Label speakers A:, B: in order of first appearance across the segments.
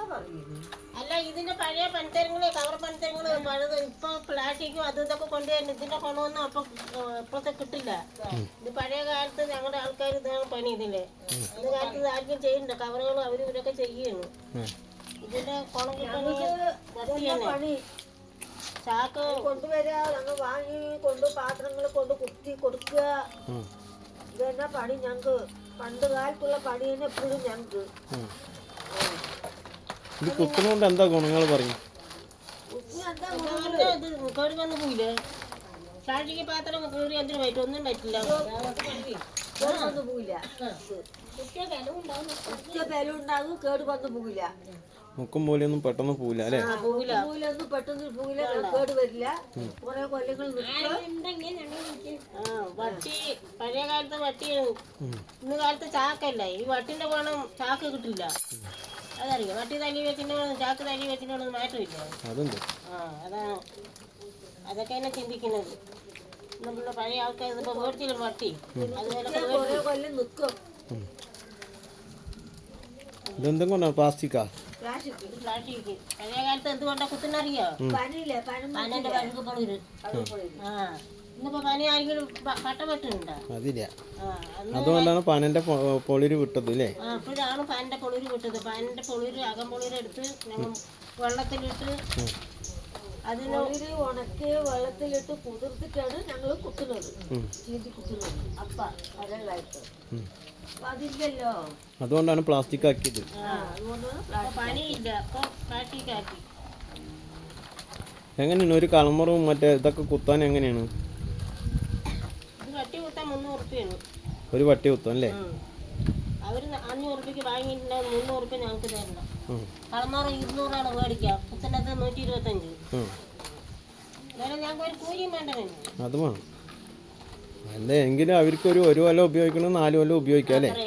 A: അല്ല ഇതിന്റെ പഴയ പണിത്തരങ്ങള് കവർ പണിത്തരങ്ങള് പഴയത് ഇപ്പൊ പ്ലാസ്റ്റിക്കും അതും ഇതൊക്കെ കൊണ്ടുവരുന്നു. ഇതിന്റെ ഗുണമൊന്നും അപ്പൊ ഇപ്പോഴത്തെ കിട്ടില്ല. ഇത് പഴയ കാലത്ത് ഞങ്ങളുടെ ആൾക്കാർ ഇതാണ് പണി. ഇതില് ഇത് കാലത്ത് ആർക്കും ചെയ്യണ്ട. കവറുകളും അവരും ഇവരൊക്കെ ചെയ്യാണ്. ഇതിന്റെ ഗുണം കിട്ടണമെങ്കിൽ പണി ചാക്ക് കൊണ്ടുവരിക, ഞങ്ങൾ വാങ്ങി കൊണ്ട് പാത്രങ്ങൾ കൊണ്ട് കുത്തി കൊടുക്കുക. ഇത് തന്നെ പണി ഞങ്ങക്ക്. പണ്ട് കാലത്തുള്ള പണി തന്നെ എപ്പോഴും ഞങ്ങക്ക്.
B: ഇത് കുത്തുന്നോണ്ട് എന്താ ഗുണങ്ങൾ പറയും?
A: കേട് വന്ന് പോയില്ലേ? പ്ലാസ്റ്റിക് പാത്രം കയറി എന്തിനു പറ്റും? ഒന്നും പറ്റില്ല. കേട് പോയില്ല. ബലം ഉണ്ടാകും. കേട് വന്ന് പോയില്ല.
B: മുക്കും പോലെയൊന്നും പെട്ടെന്ന് പോവില്ല അല്ലേ?
A: പെട്ടെന്ന് പോയില്ല. കേട് വരില്ല. കുറെ കൊല്ലങ്ങൾ വട്ടി പഴയ കാലത്തെ വട്ടിയാണ്. ഇന്ന് കാലത്ത് ചാക്കല്ല. ഈ വട്ടിന്റെ ഗുണം ചാക്ക് കിട്ടില്ല. അതറിയാം. വട്ടി തല്ലി വെച്ചിട്ട് ചാക്ക് തല്ലി വെച്ചിട്ട് മാറ്റമില്ല. അതാണ്. അതൊക്കെ തന്നെ ചിന്തിക്കുന്നത്. നമ്മുടെ പഴയ ആൾക്കാർ ഇപ്പൊ മേടിച്ചില്ല വട്ടി. അതുപോലെ കൊല്ലം നിൽക്കും.
B: ഇതെന്തും കൊണ്ടാണ്? പ്ലാസ്റ്റിക്കാ?
A: പ്ലാസ്റ്റിക്. പഴയ കാലത്ത് എന്തുകൊണ്ടാ കുത്തുന്നറിയോ? പനന്റെ പഴുക്ക് പൊളിര്. ഇന്നിപ്പോ പനി ആരെങ്കിലും പട്ട വെട്ടുന്നുണ്ടോ?
B: അതില്ല. അതുകൊണ്ടാണ് പനന്റെ പൊളിര് വിട്ടത് അല്ലേ?
A: അപ്പോഴാണ് പനന്റെ പൊളിര് വിട്ടത്. പനന്റെ പൊളിര് അകം പൊളിരെടുത്ത് ഞങ്ങൾ വെള്ളത്തിലിട്ട് അതിന് ഉണക്കി വെള്ളത്തിലിട്ട് കുതിർത്തിട്ടാണ് ഞങ്ങൾ കുത്തുന്നത്. ചീന്തി കുത്തുന്നത്. അപ്പ അതല്ലായിട്ട് അതില്ലല്ലോ.
B: അതുകൊണ്ടാണ് പ്ലാസ്റ്റിക് ആക്കിയത്.
A: പനിയില്ല. അപ്പൊ പ്ലാസ്റ്റിക് ആക്കി.
B: എങ്ങനെയാണ് ഒരു കളമറും മറ്റേ ഇതൊക്കെ കുത്താൻ എങ്ങനെയാണ്?
A: വട്ടി കുത്താൻ 300 രൂപയാണ്.
B: ഒരു വട്ടി കുത്താൻ അല്ലേ?
A: അവര് 500 രൂപയ്ക്ക് വാങ്ങിയിട്ടുണ്ടാവും. 300 രൂപ ഞങ്ങൾക്ക് തരണം. കളമാറ് 200 മേടിക്കാം. കുത്തുന്നത് 125. ഞങ്ങൾക്ക് ഒരു കൂലിയും വേണ്ട.
B: അത് വേണം. അല്ല എങ്കിലും അവർക്ക് ഒരു കൊല്ലം ഉപയോഗിക്കണം, 4 കൊല്ലം ഉപയോഗിക്കാം അല്ലേ?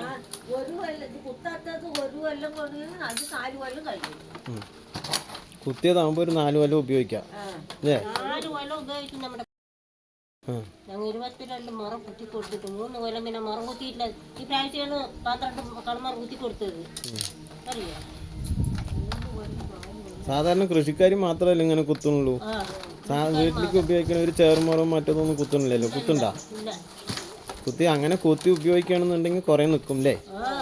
B: കുത്തിയതാകുമ്പോ ഒരു 4 കൊല്ലം ഉപയോഗിക്കാം അല്ലേ?
A: 4 കൊല്ലം ഉപയോഗിക്കും. നമ്മുടെ ഞങ്ങൾ 22 മുറം കുത്തി കൊടുത്തിട്ട് 3 കൊല്ലം പിന്നെ മുറം കുത്തിയിട്ടില്ല. ഈ പ്രാവശ്യമാണ് 12 കളമാർ കുത്തി കൊടുത്തത്. അറിയാം.
B: സാധാരണ കൃഷിക്കാർ മാത്രമല്ല ഇങ്ങനെ കുത്തുന്നുള്ളൂ. വീട്ടിലേക്ക് ഉപയോഗിക്കണ ഒരു ചേർമുറം മറ്റൊന്നും കുത്തുന്നില്ലല്ലോ. കുത്തുണ്ടാ? കുത്തി അങ്ങനെ കുത്തി ഉപയോഗിക്കുകയാണെന്നുണ്ടെങ്കിൽ കുറെ നിൽക്കും അല്ലേ?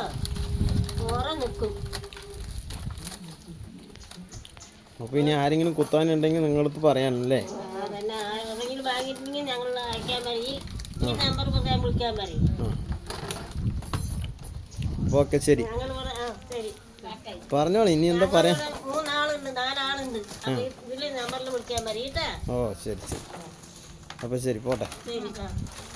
B: അപ്പൊ ഇനി ആരെങ്കിലും കുത്താനുണ്ടെങ്കിൽ നിങ്ങളടുത്ത് പറയാനല്ലേ? ഓക്കെ ശരി, പറഞ്ഞോളൂ. ഇനി എന്താ പറയാ?
A: 3 ആളുണ്ട്, 4 ആളുണ്ട്. ഇതില് നമ്പറിൽ വിളിക്കാൻ മതി.
B: ഓ ശരി ശരി. അപ്പൊ ശരി, പോട്ടെ.
A: ശരി.